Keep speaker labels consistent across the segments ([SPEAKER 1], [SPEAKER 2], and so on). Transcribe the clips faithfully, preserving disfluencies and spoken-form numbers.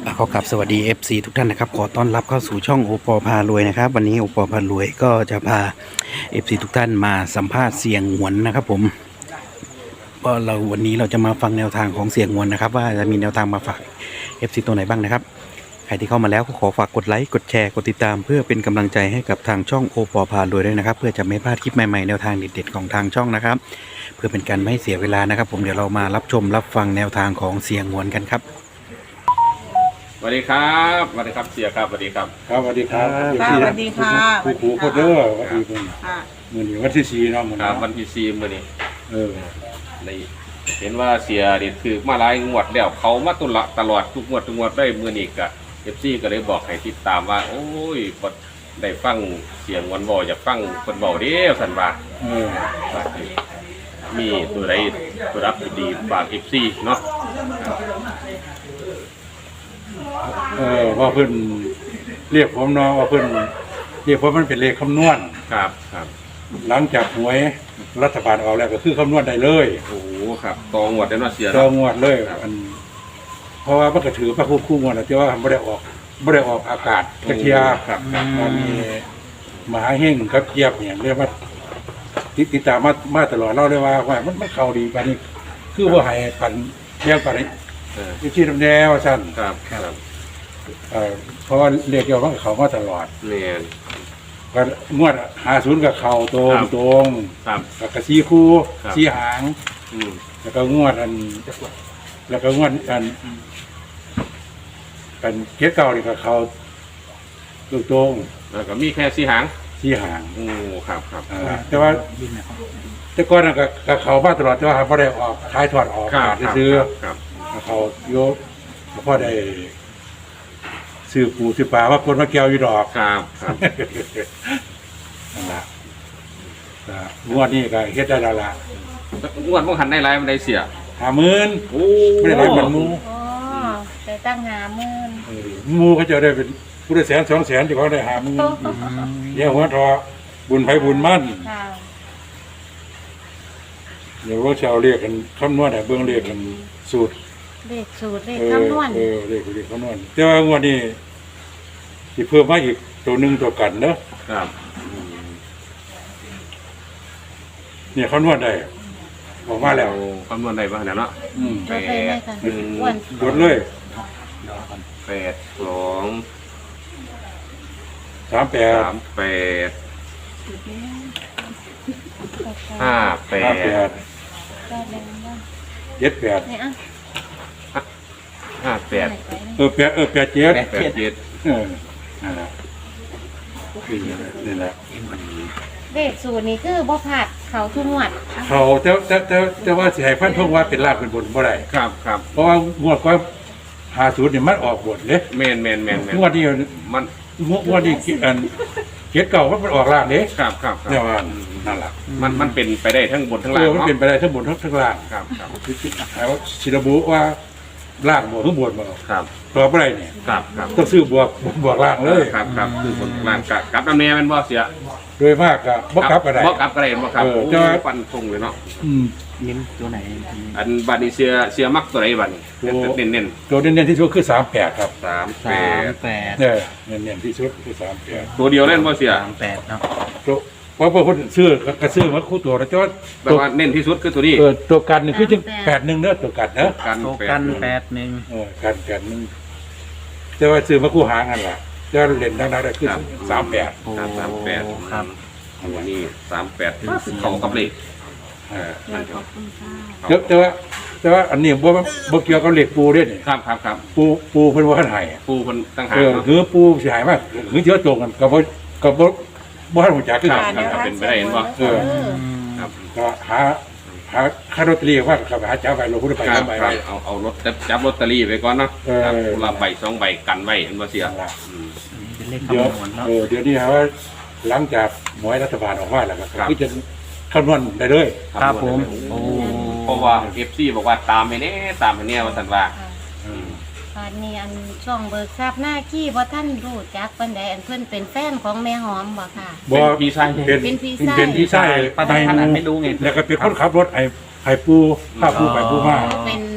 [SPEAKER 1] ขอกราบสวัสดี เอฟ ซี ทุกท่านนะครับขอต้อนรับเข้าสู่ช่องโอปอพารวยนะครับวันนี้โอปอพารวยก็จะพา เอฟ ซี ทุกท่านมาสัมภาษณ์เสียงหวนนะครับผมก็เราวันนี้เราจะมาฟังแนวทางของเสียงหวนนะครับว่าจะมีแนวทางมาฝาก เอฟ ซี ตัวไหนบ้างนะครับใครที่เข้ามาแล้วก็ขอฝากกดไลค์กดแชร์กดติดตามเพื่อเป็นกำลังใจให้กับทางช่องโอปอพารวยด้วยนะครับเพื่อจะไม่พลาดคลิปใหม่ๆแนวทางเด็ดๆของทางช่องนะครับเพื่อเป็นการไม่ให้เสียเวลานะครับผมเดี๋ยวเรามารับชมรับฟังแนวทางของเสียงหวนกันครับ
[SPEAKER 2] สวัสดีครับสวัสดีครับเสียครับสวัสดีครับ
[SPEAKER 3] ครับสวัสดีครับ
[SPEAKER 4] ค่ะสวัสดีค่ะ
[SPEAKER 3] ผู้ผู้โคเดอร์วันนี้เป็น
[SPEAKER 4] ค่ะ
[SPEAKER 3] มือนี้วันที่สี่เนาะมือ
[SPEAKER 2] ครั
[SPEAKER 3] นี้
[SPEAKER 2] บวันที่สี่มื่อนี้
[SPEAKER 3] เออ
[SPEAKER 2] ในเห็นว่าเสียเด็ดคือมาหลายงวดแล้วเขามาตุละตลอดทุกงวดทุกงวดได้มื่อนี้กะเอฟซีก็เลยบอกให้ติดตามว่า โอ้ยบดได้ฟังเสียงวันบออยากฟังคนบอกเด้อสันว่า
[SPEAKER 3] เออ
[SPEAKER 2] มีตัวใดตัวรับดีฝากเอฟซีเนาะ
[SPEAKER 3] เออว่าเพิ่นเรียกผมเนาะว่าเพิ่นเรียกผมมันเป็นเลขคำนวณ
[SPEAKER 2] ครับครับ
[SPEAKER 3] หลังจากหวยรัฐบาลออกแล้วก็คือคำนวณได้เลย
[SPEAKER 2] โอ้โหครับตองวดได้เนาะเสีย
[SPEAKER 3] เจอ
[SPEAKER 2] เนาะ
[SPEAKER 3] งวดเลยอันเพราะว่ามันก็ถือพระคู่คู่งวดนะที่ว่าไม่ได้ออกไม่ได้ออกอากาศกระเทีย
[SPEAKER 2] ครับครับ
[SPEAKER 3] มันมีมหาเฮงกับเกียบเนี่ยเรียกว่าติดติดตามมามาตลอดเล่าเลยว่าว่ามันมันเข้าดีปานนี้ คือว่าให้ปันเรียงปานนี้
[SPEAKER 2] เออ
[SPEAKER 3] อยู่ที่ลำแนวสั้น
[SPEAKER 2] ครับครับ
[SPEAKER 3] เอ่อเพราะว่าเรียกเกี่ยวกับเขามาตลอด
[SPEAKER 2] เนี่ย
[SPEAKER 3] ก็งวดหาศูนย์กับเขาตรง
[SPEAKER 2] ครับ
[SPEAKER 3] ตรง
[SPEAKER 2] ครับ
[SPEAKER 3] แล้วก็ซีคู่
[SPEAKER 2] ครับ
[SPEAKER 3] ซีหาง
[SPEAKER 2] อืม
[SPEAKER 3] แล้วก็งวดอัน แล้วก็งวดอันอันเกียรเก่านี่ก็เขาตรงตรง
[SPEAKER 2] แล้วก็มีแค่สีหาง
[SPEAKER 3] ซีหาง
[SPEAKER 2] โอ้ครับครับ
[SPEAKER 3] อ่าแต่ว่าแต่ก่อนน่ะก็ก็เขามาตลอดแต่ว่าไม่ได้ออกท้ายถอดออก
[SPEAKER 2] ครับ
[SPEAKER 3] ขาดได้ซื้อ
[SPEAKER 2] ครับ
[SPEAKER 3] เขาโยกพอได้ซื้อปูซื้อปลาว่าคนมาเกี่ยวอยู่ดอก
[SPEAKER 2] ครับครับ
[SPEAKER 3] นั่นล่ะก็งวดนี้ก็เฮ็ดได้แล้วล่ะ
[SPEAKER 2] งวดพวกหันได้ไรมันได้เสีย
[SPEAKER 3] ห้าหมื่น
[SPEAKER 2] โอ้
[SPEAKER 3] ไม่ได้ได้เหมือนหมู
[SPEAKER 4] อ๋อแต่ตั้งหาหมื่น
[SPEAKER 3] เออหมูเขาจะได้เป็นผู้ได้แสนสองแสนที่เขาได้ห้าหมื่นเดี๋ยวหัวทอบุญไผบุญมั่น
[SPEAKER 4] ค่ะ
[SPEAKER 3] เดี๋ยวว่าชาวเรียกกันคำนวณให้เบิ่งเรียกกันสูตร
[SPEAKER 4] เลขสูตรเลข
[SPEAKER 3] เออ
[SPEAKER 4] คำนวณ
[SPEAKER 3] เออเรียกเรียกคำนวณแต่ว่างวดนี้สิเพิ่มมาอีกตัวหนึงตัวกันเนอะ
[SPEAKER 2] ครับ
[SPEAKER 3] เนี่ยคำนวณได้ออกมาแล้ว
[SPEAKER 2] โอ้คำนวณได้ป่ะเนี่ยเนาะ
[SPEAKER 3] อืม
[SPEAKER 4] จดไปเลยค่ะอ้วน
[SPEAKER 3] กดเลย
[SPEAKER 2] แปดสอง
[SPEAKER 3] สามแปด
[SPEAKER 2] สามแปดห้าแป
[SPEAKER 3] ห้า
[SPEAKER 2] ด
[SPEAKER 3] แปด
[SPEAKER 4] ก็แรงบ้าง
[SPEAKER 3] เจ็ดแปด
[SPEAKER 4] เนี่ยอ่ะ
[SPEAKER 2] ห้าแปด
[SPEAKER 3] เออแปดเออแปดเจ็ด
[SPEAKER 2] แปดเจ็ด
[SPEAKER 3] เออนั่นแหละคือนี่แหละ
[SPEAKER 4] เลขสูตรนี่คือบ่ผัดเขาทุกงวด
[SPEAKER 3] เขาแต่แต่แต่แต่ว่าสิให้พันธงว่าเป็นลาบเป็นบนบ่ได้
[SPEAKER 2] ครับครับ
[SPEAKER 3] เพราะว่างวดก็หาศูนย์เนี่ยมันออกบทเลย
[SPEAKER 2] แมนแมนแมนแมน
[SPEAKER 3] งวดนี้
[SPEAKER 2] มัน
[SPEAKER 3] งวดงวดนี้อันเจ็ดเก่ามันออกล่างเด้
[SPEAKER 2] ครับครับค
[SPEAKER 3] เนี่
[SPEAKER 2] รั
[SPEAKER 3] ย
[SPEAKER 2] บ
[SPEAKER 3] ว่านั่นแหละ
[SPEAKER 2] มันมันเป็นไปได้ทั้งบนทั้ง
[SPEAKER 3] เอ
[SPEAKER 2] ล่าง
[SPEAKER 3] อมัน
[SPEAKER 2] เนาะ
[SPEAKER 3] เป็นไปได้ทั้งบนทั้งทั้งล่าง
[SPEAKER 2] ครับครับ
[SPEAKER 3] แล้วชิระบุว่าล่างบวกหรือบวกบ่
[SPEAKER 2] ครับ
[SPEAKER 3] ตอบอะไรเนี่ย
[SPEAKER 2] ครับครับ
[SPEAKER 3] ต้องซื้อบวกบวกล่างเลย
[SPEAKER 2] ครับครับคือบนล่างกับกับน้ำเนียมันบ่เสีย
[SPEAKER 3] โดยมากก็บ่กลับอะไร
[SPEAKER 2] บ่กลับก็ได้บ่ครับ
[SPEAKER 3] เออ
[SPEAKER 2] โอ้
[SPEAKER 3] แต่ว่า
[SPEAKER 2] ฟันธงเลยเนาะ
[SPEAKER 3] อืม
[SPEAKER 1] เน้นตัวไหน
[SPEAKER 2] อันบัดนี้เสียเสียมักตัวไหนบัดนี้
[SPEAKER 3] ตัว
[SPEAKER 2] เน้นเน้น
[SPEAKER 3] ตัวเน้นๆที่สุดคือสามแปดครับ
[SPEAKER 2] สามแป
[SPEAKER 1] สาม
[SPEAKER 2] ด
[SPEAKER 1] แปด
[SPEAKER 3] เนี่ยเน้นๆที่สุดคือสามแปด
[SPEAKER 2] ตัวเดียวเล่นบ่เสีย
[SPEAKER 1] สามแปดเนาะ
[SPEAKER 3] ตัวเพราะว่าคนซื้อกระซื้อมาคู่ตัวแล้วจ้า
[SPEAKER 2] แปลว่าเน้นที่สุดคือตัวนี้
[SPEAKER 3] เออตัวกันนี่คือจังแปดหนึ่งเนอะตัวกันเนอะ
[SPEAKER 2] กัน
[SPEAKER 1] โต
[SPEAKER 2] แป
[SPEAKER 1] กั
[SPEAKER 2] ด
[SPEAKER 1] นแปดหนึ่ง
[SPEAKER 3] เออกันกันหนึงแต่ว่าซื้อมาคู่หางกันล่ะจะเล่นดังๆได้คือสามแปด
[SPEAKER 1] โอ้
[SPEAKER 2] ครับสามแปด
[SPEAKER 1] ครับ
[SPEAKER 2] อันนี้สามแปดเข้ากับเลขเออนั่น
[SPEAKER 4] ขอบคุณค่ะ
[SPEAKER 3] แต่แต่ว่าแต่ว่าอันนี้บ่บ่เกี่ยวกับเหล็กปูเด้นี่
[SPEAKER 2] ครับครับครับ
[SPEAKER 3] ปูปูเพิ่นว่าให้
[SPEAKER 2] ปูคนตั้งหา
[SPEAKER 3] เออ
[SPEAKER 2] เนาะ
[SPEAKER 3] คือปูสิหายมากคือเที่ยวตรงกันก็บ่ก็บ่บ่ทันรู้จักคือ
[SPEAKER 2] ครั
[SPEAKER 3] กับ น
[SPEAKER 2] ครับเป็นไปได้เห็นบ่
[SPEAKER 3] เออ
[SPEAKER 2] ครับ
[SPEAKER 3] ก็หาหาค่าลอตเตอรี่ว่าก็หาเจ้าไปลงพุทธไป
[SPEAKER 2] ครั
[SPEAKER 3] เจ้า
[SPEAKER 2] บ
[SPEAKER 3] ไป
[SPEAKER 2] ครับเอาเอารถจับจับลอตเตอรี่ไว้ก่อนเนาะ
[SPEAKER 3] เออ
[SPEAKER 2] ครับคนละใบสองใบกันไว้เห็นบ่เสีย
[SPEAKER 3] นั่นล่ะ
[SPEAKER 2] อืม
[SPEAKER 1] เป็นเลข
[SPEAKER 3] เดี๋ยว
[SPEAKER 1] คำนวณเนาะ
[SPEAKER 3] เออเดี๋ยวนี้ฮะว่าหลังจากหมวยรัฐบาลออกมาแล้วก็
[SPEAKER 2] ครับ
[SPEAKER 3] คือจะคำนวณได้เลย
[SPEAKER 1] ครับผมโอ้
[SPEAKER 2] เพราะว่า เอฟ ซี บอกว่าตามไปแน่ตามไปแน่ว่าซั่นว่า
[SPEAKER 3] อืม
[SPEAKER 4] ตอนนี้อันช่องเบิกทราบหน้าขี้บ่ท่านรู้จักปานใดอันเพิ่นเป็นแฟนของแม่หอมบ่ค่ะ
[SPEAKER 3] บ่
[SPEAKER 2] เป็นพี่ชาย
[SPEAKER 3] เป็น
[SPEAKER 4] เป็นพี่ชาย
[SPEAKER 3] เป็นพี่ชาย
[SPEAKER 1] ป้าท่านอาจไม่รู้ไง
[SPEAKER 3] แล้วก็เป็นคนขับรถไอ้ไอ้ปูผ้าปูไปปูมา
[SPEAKER 4] เป็นพี่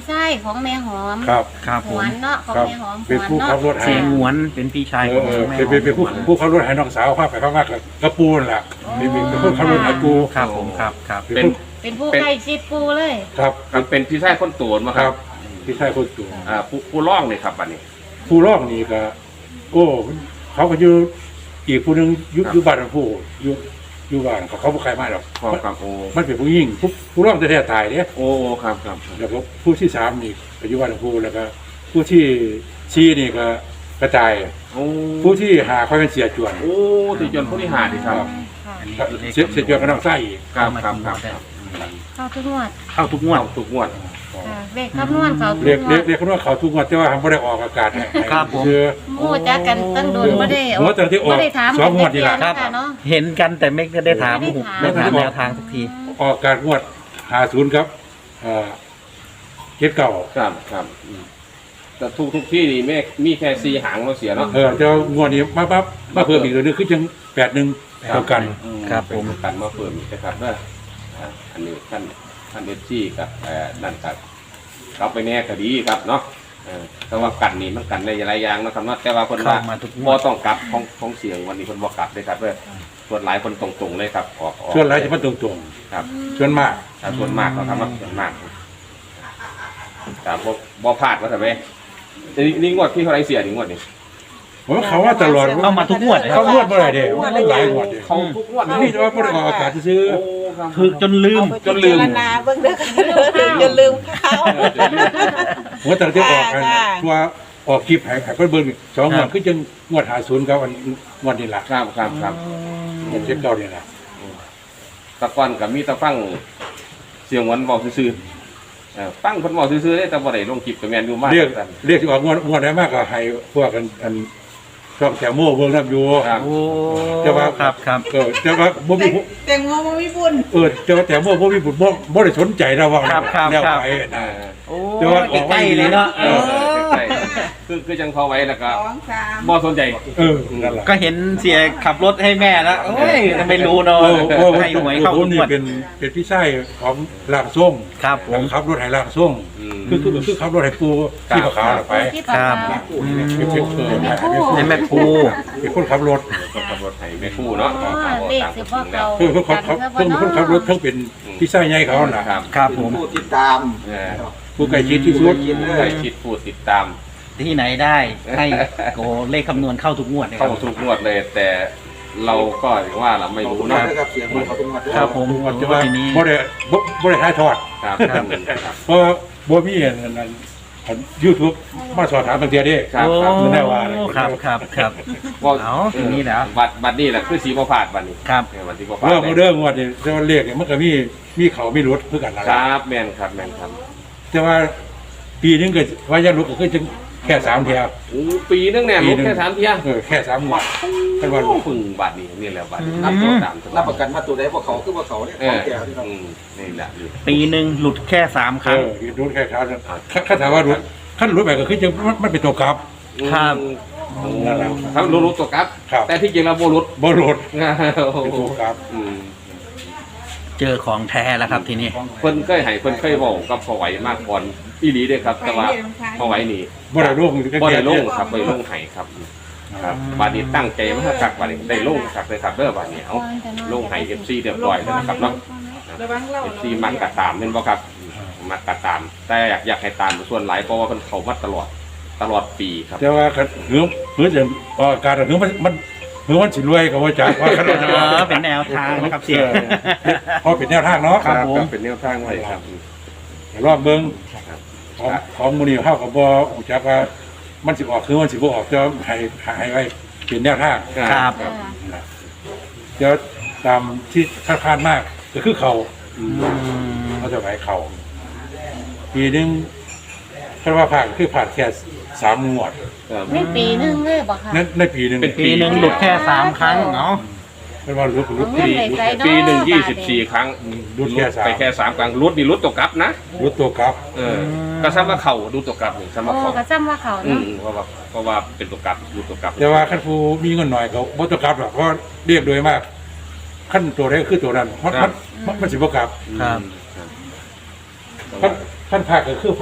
[SPEAKER 4] ชายของแม่หอม
[SPEAKER 3] ครับ
[SPEAKER 1] ครับ
[SPEAKER 4] ห
[SPEAKER 1] ผ
[SPEAKER 4] ว
[SPEAKER 1] ม
[SPEAKER 4] นเนาะของ
[SPEAKER 3] ครับ
[SPEAKER 4] แม่หอมห
[SPEAKER 3] เป็น
[SPEAKER 4] วน
[SPEAKER 3] ผู้ขับ
[SPEAKER 4] เนาะ
[SPEAKER 3] รถให้
[SPEAKER 1] เสียงหวนเป็นพี่ชาย
[SPEAKER 3] เอ
[SPEAKER 1] ของ
[SPEAKER 3] อเออ
[SPEAKER 1] แม่
[SPEAKER 3] เป็นเป็นเป็นผู้ผู้ขับรถให้น้องสาวพาไปเข้ามากกับกระปูนั่นแหละเป็นเป็นเป็นผู้ขับรถให้กู
[SPEAKER 1] ครับผมครับครับ
[SPEAKER 3] เป็นผู้
[SPEAKER 4] เป็นผู้ใกล้ชิดปูเลย
[SPEAKER 3] ครับ
[SPEAKER 2] มันเป็นพี่ชายคนโตนมา
[SPEAKER 3] ค
[SPEAKER 2] ค
[SPEAKER 3] รั
[SPEAKER 2] รั
[SPEAKER 3] บบ พี่ชายคนตัว
[SPEAKER 2] อ่าผู้ผู้ร้องเลยครับบัดนี้
[SPEAKER 3] ผู้ร้องนี่ก็โอ้เขาก็อยู่อีกผู้หนึงอยู่
[SPEAKER 2] ครับ
[SPEAKER 3] อยู่บ้านผู้อยู่อยู่บ้านเขาเขาบ่ใครมาหรอก
[SPEAKER 2] ครับครับโอ้
[SPEAKER 3] มันเป็นผู้หญิงผู้ผู้ร้องแท้ๆตายเนี่ย
[SPEAKER 2] โอ้ครับครับ
[SPEAKER 3] แล้วก็ผู้ที่สามนี่ก็อยู่บ้านผู้แล้วก็ผู้ที่ชี้นี่ก็กระจาย
[SPEAKER 2] โอ้
[SPEAKER 3] ผู้ที่หาค่อยเป็นเสียจวน
[SPEAKER 2] โอ้ที่จนผู้ที่หาดีครับ
[SPEAKER 4] ค่ะ
[SPEAKER 1] อันนี้
[SPEAKER 3] ครับ
[SPEAKER 1] คือเลข
[SPEAKER 3] เสียเสียจวนก็ต้องใส่อีก
[SPEAKER 2] ครับครับครับครับ
[SPEAKER 4] เข้าทุกงวด
[SPEAKER 1] เข้าทุกงวด
[SPEAKER 2] เอาทุกงวด
[SPEAKER 4] ค่ะเลขคำนวณเขาทุก
[SPEAKER 3] เรียก
[SPEAKER 4] งว
[SPEAKER 3] เรีย
[SPEAKER 4] ด
[SPEAKER 3] กเรียกเขาว่าเขาทุกงวดแต่ว่าทำไม่ได้ออกอากาศให้
[SPEAKER 1] ครับผม
[SPEAKER 3] คือ
[SPEAKER 4] โอ้จักกันตั้งโดนบ่ได้
[SPEAKER 3] หัวแต่ที่ออก
[SPEAKER 4] บ่ได้ถาม
[SPEAKER 3] สองงวดนี่ล่ะ
[SPEAKER 4] กันค่ะเนาะ
[SPEAKER 1] เห็นกันแต่ไม่ได้ถาม
[SPEAKER 4] ไม่
[SPEAKER 1] ผม
[SPEAKER 4] ได้
[SPEAKER 1] ไม่
[SPEAKER 4] ถาม
[SPEAKER 1] ถามแนวทางสักที
[SPEAKER 3] ออกอากาศงวดหาศูนย์ครับเอ่อเจ็ดเก่า
[SPEAKER 2] ครับครับอืมแต่ทุกทุกที่นี่แม่มีแค่สี่หางเราเสียเนาะ
[SPEAKER 3] เออเจ้างวดนี้มาปั๊บมาเพิ่มอีกตัวนึงคือจังแปดหนึ่งเท่ากัน
[SPEAKER 2] อื
[SPEAKER 1] ครับผม
[SPEAKER 2] เป็นกันมาเพิ่มอีกนะครับเด้ออ่าอันนี้ท่านท่านเอฟซีกับเอ่อนั่นครับเราไปแน่ก็ดีครับเนาะเออแต่ว่ากันนี่มันกันในหลายอย่างนะครับเนาะแต่ว่าคน
[SPEAKER 1] เข้า
[SPEAKER 2] ว่า
[SPEAKER 1] มาทุกง
[SPEAKER 2] บ่
[SPEAKER 1] วด
[SPEAKER 2] ต้องกลับของของเสียงวันนี้คนบ่กลับเลยครับเด้อส่วนหลายคนตรงๆเลยครับออกออก
[SPEAKER 3] ส่วนไรจะมาตรง
[SPEAKER 2] ครับ
[SPEAKER 3] ๆส่วนมาก
[SPEAKER 2] ถ้าส่วนมากเราทำมาส่วนมากแต่บ่บ่พลาดว่าทำไมนี่นี่งวดที่เท่าไรเสียนี่งวดนี่
[SPEAKER 3] ผมว่าเขาว่าตลอด
[SPEAKER 1] เข้ามาทุกงวดเลย
[SPEAKER 3] เขางวดเมื่อไหร่เด้มันหลายงวดเด้
[SPEAKER 2] เขาทุกงวด
[SPEAKER 3] นี่แต่ว่าไม่ได้ออกอากาศซื้อ
[SPEAKER 2] โอ้ครับ
[SPEAKER 1] คือจนลืม
[SPEAKER 2] จนลืม
[SPEAKER 5] เอาไปพิจารณาเบิ่งเด้อค่ะอย่าลืมเข้า
[SPEAKER 3] หัวแต่ที่ออกกัน
[SPEAKER 5] ค่ะ
[SPEAKER 3] ตัวออกคลิปหายหายเพิ่นเบิ่งสองงวดคือจังงวดหาศูนย์ครับอันงวดนี้ล่ะ
[SPEAKER 2] ครับครับครับ
[SPEAKER 3] งวดเจ็ดเก้านี่ล่ะ
[SPEAKER 2] ตะกอนกับมีตะฟังเสียงหวานบอกซื่อๆเออฟังคนบอกซื่อๆได้แต่บ่ได้ลงคลิปกับแมนอยู่มาก
[SPEAKER 3] เรียก
[SPEAKER 2] กัน
[SPEAKER 3] เรียกที่ออกงวดงวดได้มากก็ให้พวกกันอันช่องแถวโม่เบิ่งนํอยู่
[SPEAKER 2] ครับ
[SPEAKER 1] โอ้
[SPEAKER 3] จะว่า
[SPEAKER 1] ครับครับ
[SPEAKER 3] เออแต่ว่าบ่มีผู้
[SPEAKER 5] แตงโมบ่มีบุญ
[SPEAKER 3] เออแต่ว่าแถวโม่บ่มีผู้บ่บ่ได้สนใจนะว่า
[SPEAKER 1] ครับครับ
[SPEAKER 3] แนว
[SPEAKER 1] ครับ
[SPEAKER 3] ไป
[SPEAKER 2] เอ
[SPEAKER 3] นะ
[SPEAKER 2] อ
[SPEAKER 1] โอ้
[SPEAKER 3] แต่ว่าออกมา
[SPEAKER 1] ใกล้ๆเลยเนาะ
[SPEAKER 2] เออใกล้ๆคือคือจังเขาไว้แล้วก็
[SPEAKER 5] สองสาม
[SPEAKER 2] บ่สนใจ
[SPEAKER 3] เออนั่นล่ะ
[SPEAKER 1] ก็เห็นเสียขับรถให้แม่แล้วโอ้ยไม่รู้เนาะ
[SPEAKER 3] โอ้โอ้
[SPEAKER 1] ให้หวยเข้า
[SPEAKER 3] ผ
[SPEAKER 1] ทุ
[SPEAKER 3] ม
[SPEAKER 1] ก
[SPEAKER 3] นี่
[SPEAKER 1] งวด
[SPEAKER 3] เป็นเป็นพี่ชายของร่างทรง
[SPEAKER 1] ครับผม
[SPEAKER 3] ขับรถให้ร่างทรง
[SPEAKER 2] อืม
[SPEAKER 3] คือคือคือขับรถให้ปูที่ขาวๆน่ะไป
[SPEAKER 4] ที่ปาก
[SPEAKER 1] ครับ
[SPEAKER 4] กา
[SPEAKER 1] อืม
[SPEAKER 3] เป็นเป็นเออให้
[SPEAKER 1] ให้แม่ครู
[SPEAKER 3] เป็นคนขับรถ
[SPEAKER 2] คนขับรถไถไม่คู่เนาะ
[SPEAKER 4] อ๋อเลขสิบ่เขา
[SPEAKER 3] คือคนขับเพิ่งคนขับรถเพิ่งเป็นพี่ชายใหญ่เขาน่ะ
[SPEAKER 2] ครับ
[SPEAKER 1] ครับผม
[SPEAKER 6] ผู้ติดตาม
[SPEAKER 2] เออ
[SPEAKER 3] ผู้ใกล้ชิดที่สุด
[SPEAKER 2] ใครคิดพูดติดตาม
[SPEAKER 1] ที่ไหนได้ให้โกเลขคำนวณเข้าทุกงวดเลยค
[SPEAKER 2] เข้า
[SPEAKER 1] รับ
[SPEAKER 2] ทุกงวดเลย แต่เราก็อย่างว่าเราไม่รู้
[SPEAKER 6] นะ
[SPEAKER 2] เนาะ
[SPEAKER 6] ครับเสียงเขาเป็นวัด
[SPEAKER 1] ครับผม
[SPEAKER 3] ว่าจะว่า
[SPEAKER 1] ทีนี้
[SPEAKER 3] บ่ได้บ่บ่ได้ถ่ายทอด
[SPEAKER 2] ครับครับครับ
[SPEAKER 3] เพราะว่าบ่มีอันนั้นอัน YouTube มาสอบถามบางเทียเด้
[SPEAKER 2] ครับ
[SPEAKER 1] โอ้
[SPEAKER 2] ครับ
[SPEAKER 3] ไม่ได้ว่าอะไร
[SPEAKER 1] ครับครับครับ
[SPEAKER 2] ว่า
[SPEAKER 1] เอาทีนี้แล้ว
[SPEAKER 2] บัตรบัตรนี่แหละคือสีบ่พลาดบัตรนี้
[SPEAKER 1] ครับ
[SPEAKER 2] เออบัตรสีบ่พลาด
[SPEAKER 3] เรื่องของเรื่องงวดนี่แต่ว่าเลขเนี่ยมันก็มีมีเขามีรถคือกันนั่น
[SPEAKER 2] ค
[SPEAKER 3] ล่ะ
[SPEAKER 2] รับแม่นครับแม่นครับ
[SPEAKER 3] แต่ว่าปีนึงก็ว่ายังรถก็คือจังแค่สามเที่ยว
[SPEAKER 2] โอ้ปีนึงเนี่ย
[SPEAKER 3] ปี
[SPEAKER 2] ลด
[SPEAKER 3] นึง
[SPEAKER 2] แค่สามเที่ย
[SPEAKER 3] เออแค่สามงวดกันว่า
[SPEAKER 2] โอ้พึ่งบัตรนี่นี่แหละบัตร
[SPEAKER 1] อืม
[SPEAKER 2] รับตัวตาม
[SPEAKER 6] รับประกันว่าตัวใดพวกเขาคือพวกเขาเนี่ย
[SPEAKER 2] เอ
[SPEAKER 6] ของ
[SPEAKER 2] อ
[SPEAKER 6] แก่ที่เรา
[SPEAKER 2] อืมนี่แหละนี่
[SPEAKER 1] ปีหนึ่งหลุดแค่สามค
[SPEAKER 3] เอ
[SPEAKER 1] รั้ง
[SPEAKER 3] อรถแค่คราวนึงถ้าถามว่ารถขั้นรถแบบก็คือจังมันมันเป็นตัวกลับ
[SPEAKER 1] ครับ
[SPEAKER 2] โอ้
[SPEAKER 3] นั่นแหละ
[SPEAKER 2] ครับรู้รู้ตัวครับ
[SPEAKER 3] ครับ
[SPEAKER 2] แต่ที่จริงแล้วโบรุษ
[SPEAKER 3] บ่รถ
[SPEAKER 2] โอ้
[SPEAKER 3] เป็น
[SPEAKER 2] โห
[SPEAKER 3] ตัวกลับ
[SPEAKER 2] อืม
[SPEAKER 1] เจอของแท้แล้วครับทีนี้
[SPEAKER 2] เพิ่นเคยให้เพิ่นเคยบอกกับพอไหวมากก่อนอีหลีเด้อครับ แต่ว่าพอไหวนี่
[SPEAKER 3] บ่ได้ลง
[SPEAKER 2] บ่ได้ลงครับบ่ได้ลงให้ครับครับบาดนี้ตั้งใจมาคักบาดนี้ได้ลงครับเลยครับเด้อบาดนี้เอาลงให้ เอฟ ซี เรียบร้อยแล้วนะครับเนาะ
[SPEAKER 5] ระวังเล่า
[SPEAKER 2] เอฟ ซี มักกะตามแม่นบ่ครับมักกะตาม แต่อยากอยากให้ตามส่วนหลายเพราะว่าเพิ่นเข้ามาตลอดตลอดปีครับ
[SPEAKER 3] แต่ว่าคันเหือเหือจะออกอากาศเหือมันมันเหือมันสิรวยก็ว่าจักว่าคัน
[SPEAKER 1] เออเป็นแนวทางนะครับเสีย
[SPEAKER 3] พอเป็นแนวทางเนาะ
[SPEAKER 1] ครับผม
[SPEAKER 2] เป็นแนวทางไว้ครับ
[SPEAKER 3] รอบเบิ่ง
[SPEAKER 2] ครับ
[SPEAKER 3] ของของมื้อนี้เฮาก็บ่รู้จักว่ามันสิออกคือมันสิบ่ออกจะให้ให้ไว้เป็นแนวทาง
[SPEAKER 1] ครับ
[SPEAKER 2] ครับ
[SPEAKER 3] เดี๋ยวตามที่คาดคาดมากก็คือเขา
[SPEAKER 1] อืม
[SPEAKER 3] เขาจะไหวเขาปีหนึงคาดว่าผ่านคือผ่านแค่สามงวด
[SPEAKER 2] ครับ
[SPEAKER 4] ในปีหนึงเลยบ่ค่ะ
[SPEAKER 3] นั้นในปีหนึง
[SPEAKER 2] เป็น
[SPEAKER 1] ปีหนึ่งหลุดแค่สามครั้งเนาะ
[SPEAKER 3] เป็นว่ารุดรุด
[SPEAKER 4] เอาเงิ
[SPEAKER 3] ปี
[SPEAKER 4] นไปใส่เนาะ
[SPEAKER 2] ปีหนึ่งยี่สิบสี่ครั้ง
[SPEAKER 3] รุดแค่สาม
[SPEAKER 2] ไปแค่สามครั้งรุดนี่รุดตกกลับนะ
[SPEAKER 3] รุดตัวกลับ
[SPEAKER 2] เออก็ซ้ำว่าเข่าดูตกกลับนี่ซ้ำว่า
[SPEAKER 4] โอ้
[SPEAKER 2] เข่า
[SPEAKER 4] ก็จำว่าเขา
[SPEAKER 2] อื
[SPEAKER 4] เนาะ
[SPEAKER 2] มเพราะว่าเพราะว่าเป็นตัวกลับดูตัวกลับ
[SPEAKER 3] แต่ว่าขั้นผู้มีเงินหน่อยเขาบ่ตัวกลับหรอกเพราะเรียกโดยมากขั้นตัวแรกคือตัวนั้นมันมันมันมันสิบ่กลับ
[SPEAKER 1] ครับ
[SPEAKER 2] ครับ
[SPEAKER 3] ขั้นขั้นภาคก็คือภาค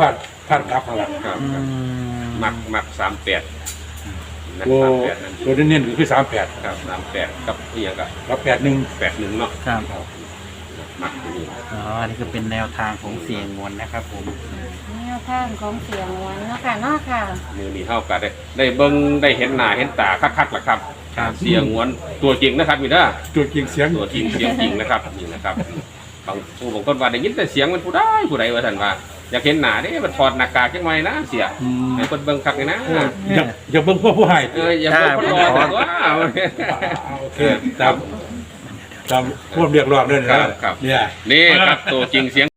[SPEAKER 3] พันกลับข้างหลัง
[SPEAKER 2] ครับ
[SPEAKER 1] อื
[SPEAKER 2] ครับ
[SPEAKER 1] ม
[SPEAKER 2] มักมักสามแปดนะ
[SPEAKER 3] ตัว
[SPEAKER 2] สามแปดนั่น
[SPEAKER 3] ตัวเน้นๆก็คือสามแปด
[SPEAKER 2] ครับสามแปดกับอีหยังกับ
[SPEAKER 3] กับแปดหนึ่ง
[SPEAKER 2] แปดหนึ่งเนาะ
[SPEAKER 1] ครับ
[SPEAKER 2] มักตัวนี้
[SPEAKER 1] อ๋ออันนี้คือเป็นแนวทางของเสียงงวนนะครับผม
[SPEAKER 4] แนวทางของเสียงหวนเนาะค่ะเนาะค่ะ
[SPEAKER 2] มือนี้เท่ากันได้ได้เบิ้งได้เห็นหน้าเห็นตาคักๆล่ะครับ
[SPEAKER 1] ครับ
[SPEAKER 2] เสียงหวนตัวจริงนะครับมีเด้อ
[SPEAKER 3] ตัวจริงเสียง
[SPEAKER 2] ตัวจริงเสียงจริงนะครับนี่นะครับบางผู้บางคนว่าได้ยินแต่เสียงมันผู้ได้ผู้ใดว่าท่านว่าอยากเห็นหน้าเด้มันถอดหน้ากากจังไว้นะเสีย
[SPEAKER 3] อืม
[SPEAKER 2] ให้คนเบิ่งคักเลยนะ
[SPEAKER 3] โอ้ยอย่าอย่าเบิ่งพวกผู้ให้
[SPEAKER 2] เอออย่าเบิ่งคนรอแต่ว่า
[SPEAKER 3] โอเคตามตามพวกเรียกร้องด้วยนะครับ
[SPEAKER 2] ครับ
[SPEAKER 3] เนี่ย
[SPEAKER 2] นี่ครับตัวจริงเสียง